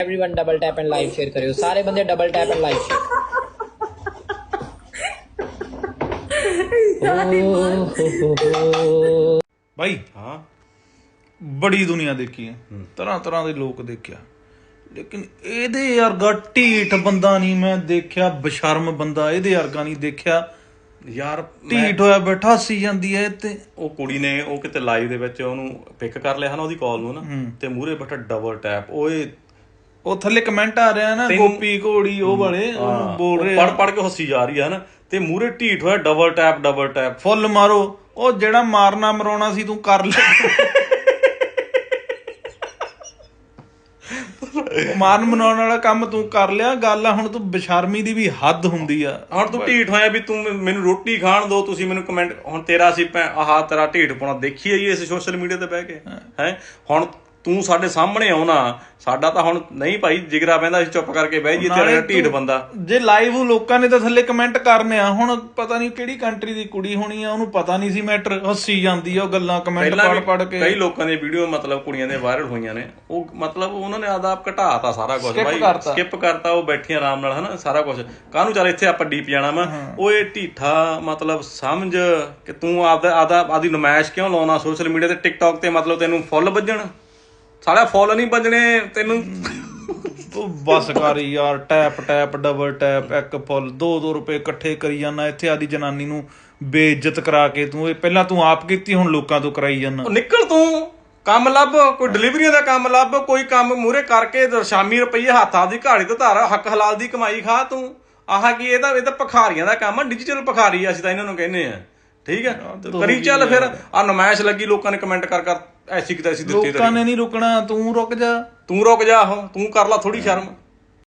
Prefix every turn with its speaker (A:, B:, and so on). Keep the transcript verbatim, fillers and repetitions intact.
A: Everyone double tap and live share करियो, सारे बंदे double tap and live share.
B: भाई हाँ बड़ी दुनिया देखी है, तरह तरह के लोग देखिया, लेकिन ਇਹਦੇ ਵਰਗਾ ਢੀਠ ਬੰਦਾ ਨਹੀਂ ਮੈਂ ਦੇਖਿਆ, ਬਸ਼ਰਮ ਬੰਦਾ ਇਹਦੇ ਵਰਗਾ ਨਹੀਂ ਦੇਖਿਆ ਯਾਰ। ਢੀਠ ਹੋਇਆ ਬੈਠਾ ਹੱਸੀ ਜਾਂਦੀ ਹੈ ਤੇ
C: ਉਹ ਕੁੜੀ ਨੇ ਉਹ ਕਿਤੇ ਲਾਈਵ ਦੇ ਵਿੱਚ ਉਹਨੂੰ ਪਿਕ ਕਰ ਲਿਆ ਹਨਾ ਉਹਦੀ ਕਾਲ ਨੂੰ ਨਾ, ਤੇ ਮੂਹਰੇ ਬੈਠਾ ਡਬਲ ਟੈਪ। ਓਏ
B: ਉਹ ਥੱਲੇ ਕਮੈਂਟ ਆ ਰਿਹਾ ਨਾ ਗੋਪੀ ਘੋੜੀ ਉਹ ਵਾਲੇ ਉਹਨੂੰ ਬੋਲ ਰਹੇ
C: ਪੜ ਪੜ ਕੇ ਹੱਸੀ ਜਾ ਰਹੀ ਹੈ ਨਾ, ਤੇ ਮੂਹਰੇ ਢੀਠ ਹੋਇਆ ਡਬਲ ਟੈਪ ਡਬਲ ਟੈਪ।
B: ਫੁੱਲ ਮਾਰੋ, ਉਹ ਜਿਹੜਾ ਮਾਰਨਾ ਮਰਾਉਣਾ ਸੀ ਤੂੰ ਕਰ ਲਿਆ। ਮਾਰਨ ਮਨਾਉਣ ਵਾਲਾ ਕੰਮ ਤੂੰ ਕਰ ਲਿਆ, ਗੱਲ ਆ ਹੁਣ ਤੂੰ ਬੇਸ਼ਰਮੀ ਦੀ ਵੀ ਹੱਦ ਹੁੰਦੀ ਆ।
C: ਹੁਣ ਤੂੰ ਢੀਠ ਹੋਇਆ ਵੀ ਤੂੰ ਮੈਨੂੰ ਰੋਟੀ ਖਾਣ ਦੋ, ਤੁਸੀਂ ਮੈਨੂੰ ਕਮੈਂਟ, ਹੁਣ ਤੇਰਾ ਸੀ ਆਹ ਤੇਰਾ ਢੀਠ ਪਾਉਣਾ ਦੇਖੀ ਆਈ ਇਸ ਸੋਸ਼ਲ ਮੀਡੀਆ ਤੇ ਬਹਿ ਕੇ ਹੈ। ਹੁਣ ਤੂੰ ਸਾਡੇ ਸਾਹਮਣੇ ਆਉਣਾ, ਸਾਡਾ ਤਾਂ ਹੁਣ ਨਹੀਂ ਭਾਈ ਜਿਗਰਾ ਪੈਂਦਾ, ਅਸੀਂ ਚੁੱਪ ਕਰਕੇ ਬਹਿ ਜੀ ਤੇਰਾ ਢੀਠ ਬੰਦਾ।
B: ਜੇ ਲਾਈਵ ਲੋਕਾਂ ਨੇ ਤਾਂ ਥੱਲੇ ਕਮੈਂਟ ਕਰਨੇ ਆ, ਹੁਣ ਪਤਾ ਨਹੀਂ ਕਿਹੜੀ ਕੰਟਰੀ ਦੀ ਕੁੜੀ ਹੋਣੀ ਆ, ਉਹਨੂੰ ਪਤਾ ਨਹੀਂ ਸੀ ਮੈਟਰ, ਹੱਸੀ ਜਾਂਦੀ ਆ ਉਹ ਗੱਲਾਂ ਕਮੈਂਟ ਪੜ ਪੜ ਕੇ।
C: ਕਈ ਲੋਕਾਂ ਦੀਆਂ ਵੀਡੀਓ ਮਤਲਬ ਕੁੜੀਆਂ ਦੇ ਵਾਇਰਲ ਹੋਈਆਂ ਨੇ, ਉਹ ਮਤਲਬ ਉਹਨਾਂ ਨੇ ਆਦਾਬ ਘਟਾਤਾ ਸਾਰਾ ਕੁਝ ਬਾਈ, ਸਕਿਪ ਕਰਤਾ, ਉਹ ਬੈਠੀਆਂ ਆਰਾਮ ਨਾਲ ਹਨਾ ਸਾਰਾ ਕੁਝ। ਕਾਹਨੂੰ ਚੱਲ ਇੱਥੇ ਆਪਾਂ ਡੀਪ ਜਾਣਾ ਵਾ। ਉਹ ਇਹ ਢੀਠਾ ਮਤਲਬ ਸਮਝ ਕਿ ਤੂੰ ਆਪਦਾ ਆਦਾ ਆਦੀ ਨੁਮਾਇਸ਼ ਕਿਉਂ ਲਾਉਣਾ ਸੋਸ਼ਲ ਮੀਡੀਆ ਤੇ ਟਿਕਟੌਕ ਤੇ, ਮਤਲਬ ਤੈਨੂੰ ਫੁੱਲ ਵੱਜਣ, ਸਾਡਾ ਫੁੱਲ ਨਹੀਂ ਵੱਜਣੇ ਤੈਨੂੰ।
B: ਤੂੰ ਬਸ ਕਰ ਯਾਰ, ਟੈਪ ਟੈਪ ਡਬਲ ਟੈਪ, ਇੱਕ ਫੁੱਲ ਦੋ ਦੋ ਰੁਪਏ ਇਕੱਠੇ ਕਰੀ ਜਾਣਾ ਇੱਥੇ, ਆਦੀ ਜਨਾਨੀ ਨੂੰ ਬੇਇੱਜ਼ਤ ਕਰਾ ਕੇ। ਤੂੰ ਇਹ ਪਹਿਲਾਂ ਤੂੰ ਆਪ ਕੀਤੀ, ਹੁਣ ਲੋਕਾਂ ਤੋਂ ਕਰਾਈ ਜਾਣਾ।
C: ਨਿਕਲ ਤੂੰ ਕੰਮ ਲੱਭ, ਕੋਈ ਡਿਲੀਵਰੀਆਂ ਦਾ ਕੰਮ ਲੱਭ, ਕੋਈ ਕੰਮ ਮੂਹਰੇ ਕਰਕੇ ਸ਼ਾਮੀ ਰੁਪਈਏ ਹੱਥਾਂ ਦੀ ਘਾੜੀ ਤੋਂ ਧਾਰ, ਹੱਕ ਹਲਾਲ ਦੀ ਕਮਾਈ ਖਾ ਤੂੰ। ਆਹ ਕੀ ਇਹਦਾ ਇਹ ਤਾਂ ਭਿਖਾਰੀਆਂ ਦਾ ਕੰਮ ਆ, ਡਿਜੀਟਲ ਭਿਖਾਰੀ ਅਸੀਂ ਤਾਂ ਇਹਨਾਂ ਨੂੰ ਕਹਿੰਦੇ ਆ। ਠੀਕ ਹੈ ਕਰੀ ਚੱਲ ਫਿਰ। ਆ ਨੁਮਾਇਸ਼ ਲੱਗੀ, ਲੋਕਾਂ ਨੇ ਕਮੈਂਟ ਕਰ ਕਰ ਐਸੀ ਕਿਤੇ ਐਸੀ ਦਿੱਤੀ,
B: ਲੋਕਾਂ ਨੇ ਨਹੀਂ ਰੁਕਣਾ, ਤੂੰ ਰੁਕ ਜਾ,
C: ਤੂੰ ਰੁਕ ਜਾ, ਤੂੰ ਕਰ ਲਾ ਥੋੜੀ ਸ਼ਰਮ।